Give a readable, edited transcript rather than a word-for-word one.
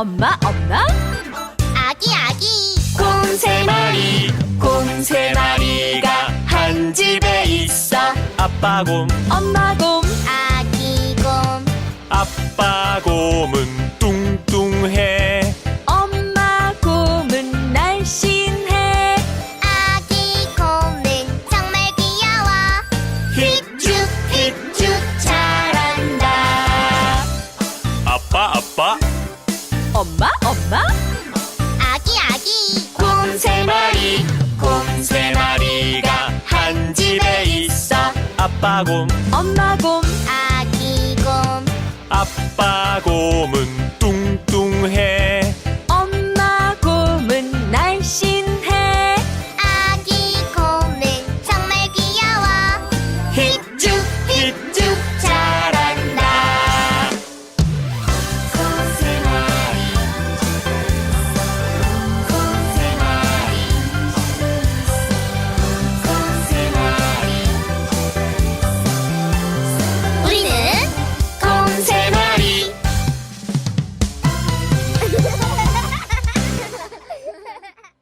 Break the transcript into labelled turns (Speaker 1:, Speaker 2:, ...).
Speaker 1: 엄마 엄마
Speaker 2: 아기
Speaker 3: 곰 세 마리가 한 집에 있어. 아빠 곰,
Speaker 1: 엄마 곰
Speaker 2: 아기 곰
Speaker 3: 아빠 곰은 뚱뚱해.
Speaker 1: 엄마 곰은 날씬해.
Speaker 2: 아기 곰은 정말 귀여워. 힙죽 잘한다.
Speaker 3: 아빠
Speaker 1: 엄마
Speaker 2: 아기
Speaker 3: 곰 세 마리가 한 집에 있어. 아빠 곰,
Speaker 1: 엄마 곰
Speaker 2: 아기 곰
Speaker 3: 아빠 곰은